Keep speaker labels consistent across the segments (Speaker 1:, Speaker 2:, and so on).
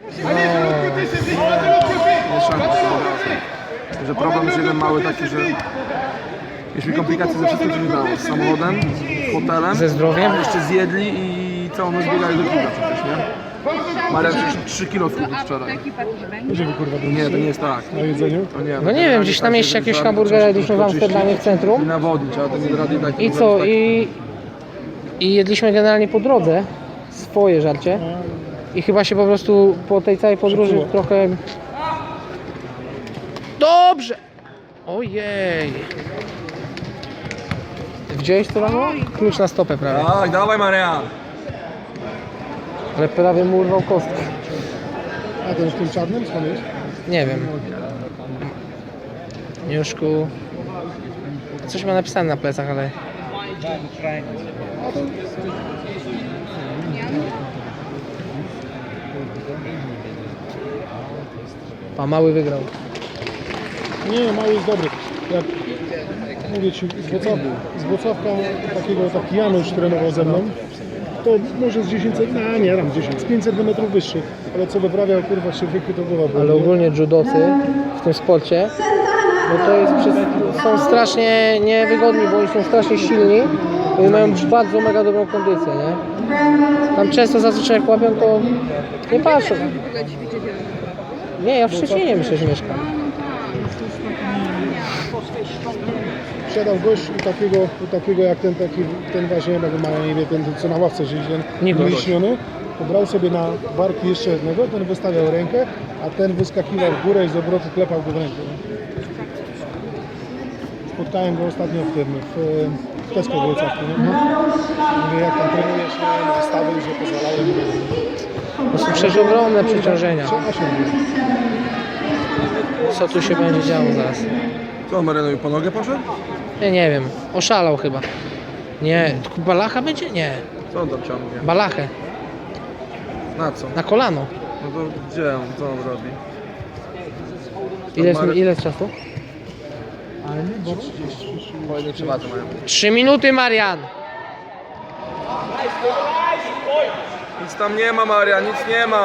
Speaker 1: Że problem jest jeden mały taki, że mieliśmy komplikacje ze wszystkim, co się dało. Z samochodem, hotelem,
Speaker 2: Ze zdrowiem?
Speaker 1: jeszcze zjedli i całą noc biegali do klubu przecież, nie? Marian 3 kilo schudł wczoraj. Nie, to nie jest tak.
Speaker 3: Na jedzeniu?
Speaker 1: To nie,
Speaker 2: No nie wiem, gdzieś na mieście jakieś hamburgery jedliśmy w Amsterdamie w centrum.
Speaker 1: I nawodnić, ale to nie rady tak.
Speaker 2: I co? I jedliśmy generalnie po drodze swoje żarcie. I chyba się po prostu po tej całej podróży
Speaker 3: Przeczuło.
Speaker 2: trochę... Dobrze! Ojej! Widziałeś to rano? Klucz na stopę prawie.
Speaker 1: Tak, dawaj Marian!
Speaker 2: Ale prawie mu urwał kostkę.
Speaker 3: A ten w tym czarnym skąd jest?
Speaker 2: Nie wiem. Juszku. Coś ma napisane na plecach, ale... A mały wygrał.
Speaker 3: Nie, mały jest dobry. Jak mówię ci, z Włocławka taki Janusz trenował ze mną, to może z 10, no nie tam 10, z 5 cm wyższy, ale co wyprawiał, kurwa, się wykytował.
Speaker 2: Ale ogólnie judocy w tym sporcie, no to jest są strasznie niewygodni, bo oni są strasznie silni i mają bardzo mega dobrą kondycję, nie? Tam często zazwyczaj jak łapią, to nie patrzą. Nie, ja w Szczecinie myślę, że mieszkam.
Speaker 3: Siadał gość u takiego jak ten właśnie, jak ma na imię, ten co na ławce siedzi, ten
Speaker 2: Nikogo.
Speaker 3: wyśniony, to brał sobie na barki jeszcze jednego, ten wystawiał rękę, a ten wyskakiwał w górę i z obrotu klepał go w rękę. Spotkałem go ostatnio w Tesco w Wrocławiu, nie? Mówię, jak tam trenujesz, nie? Wystawy już nie pozwalały.
Speaker 2: To są przecież ogromne przeciążenia.
Speaker 3: A się mówi.
Speaker 2: Co tu się będzie działo zaraz?
Speaker 1: Co, Marianowi po nogę poszedł?
Speaker 2: Ja nie wiem. Oszalał chyba. Nie. Balacha będzie? Nie.
Speaker 1: Co on tam ciągnie?
Speaker 2: Balachę.
Speaker 1: Na co?
Speaker 2: Na kolano.
Speaker 1: No to gdzie on? Co on robi?
Speaker 2: Ile jest czasu?
Speaker 1: Fajnie przewadze mają.
Speaker 2: 3 minuty, Marian!
Speaker 1: Nic tam nie ma, Marian, nic nie ma!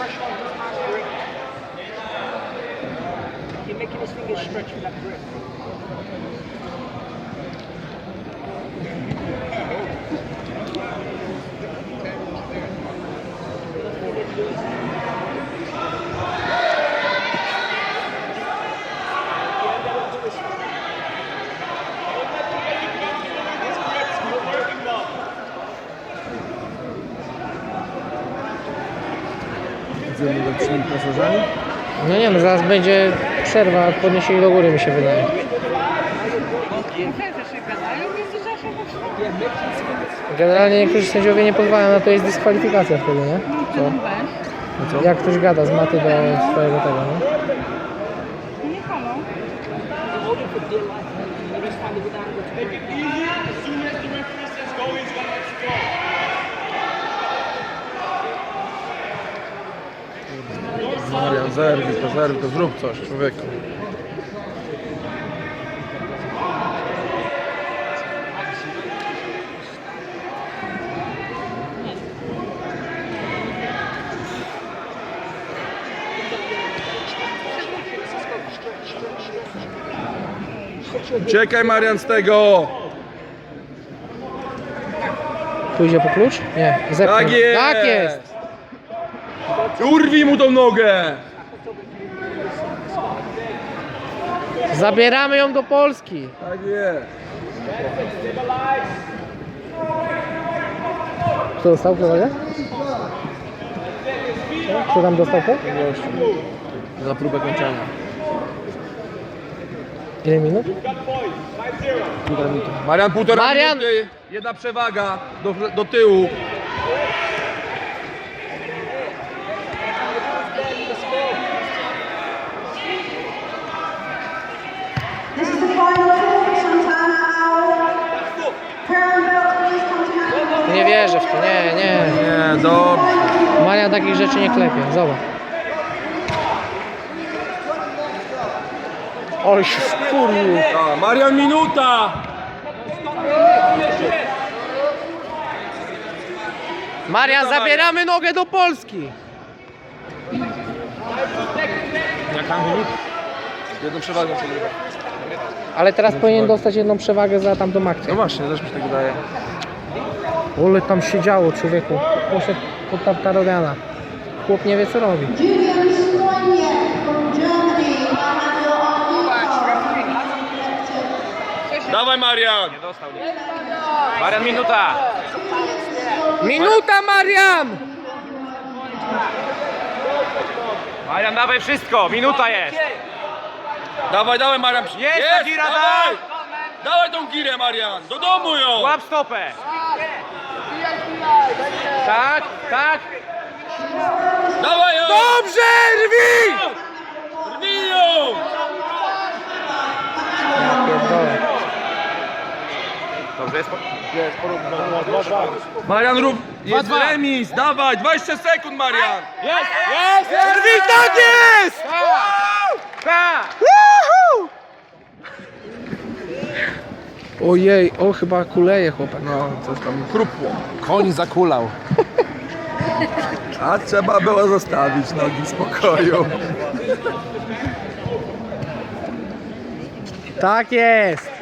Speaker 1: Idziemy do tymi pasażerami?
Speaker 2: No nie no, zaraz będzie przerwa, podniesienie do góry mi się wydaje. Generalnie niektórzy sędziowie nie pozwalają, na to jest dyskwalifikacja wtedy, nie? Co?
Speaker 1: No co?
Speaker 2: Jak ktoś gada z maty do swojego tego, nie?
Speaker 1: Marian, zerwij to, zrób coś, człowieku. Uciekaj, Marian, z tego!
Speaker 2: Pójdzie po klucz? Nie, zepnął.
Speaker 1: Tak jest!
Speaker 2: Tak jest!
Speaker 1: Urwij mu tą nogę!
Speaker 2: Zabieramy ją do Polski.
Speaker 1: Tak jest.
Speaker 2: Kto dostał przewagę? Kto tam dostał to?
Speaker 1: Za próbę kończenia.
Speaker 2: Ile minut?
Speaker 1: Półtora minuty. Marian, półtora
Speaker 2: Marian!
Speaker 1: minuty. Jedna przewaga do tyłu.
Speaker 4: This is the final call for Santana Hour. Crown belt, please come to hand.
Speaker 2: Nie wierzę w to, nie.
Speaker 1: Nie, dobrze.
Speaker 2: Marian takich rzeczy nie klepie, zobacz. Oj, się wkurwił.
Speaker 1: A, Marian, minuta!
Speaker 2: Marian, zabieramy nogę do Polski.
Speaker 3: Jak tam wynik?
Speaker 1: Jedną przewagą przegrywa.
Speaker 2: Ale teraz powinien dostać jedną przewagę za tamtą akcję.
Speaker 1: No właśnie, też mi się tak wydaje.
Speaker 2: Ole tam się działo, człowieku. Poszedł pod Tartariana. Chłop nie wie co robi.
Speaker 4: Julian Stoniek from Germany. Handle on
Speaker 5: Dawaj Marian!
Speaker 6: Marian, minuta!
Speaker 2: Minuta, Marian!
Speaker 6: Marian, dawaj wszystko! Minuta jest!
Speaker 5: Dawaj, dawaj Marian!
Speaker 6: Jest ta gira,
Speaker 5: dawaj! Dawaj tą girę Marian! Do domu ją!
Speaker 6: Łap stopę! Tak, tak!
Speaker 5: Dawaj ją!
Speaker 2: Dobrze, rwi!
Speaker 5: Rwij ją!
Speaker 6: Dobrze, jest.
Speaker 5: Marian rób! Jest remis! Dawaj! 20 sekund Marian!
Speaker 6: Jest! Jest!
Speaker 2: Rwi, tak jest!
Speaker 6: Tak!
Speaker 2: Ojej, o chyba kuleje chłopak.
Speaker 1: No, coś tam chrupło. Koń zakulał. A trzeba było zostawić nogi w spokoju.
Speaker 2: Tak jest!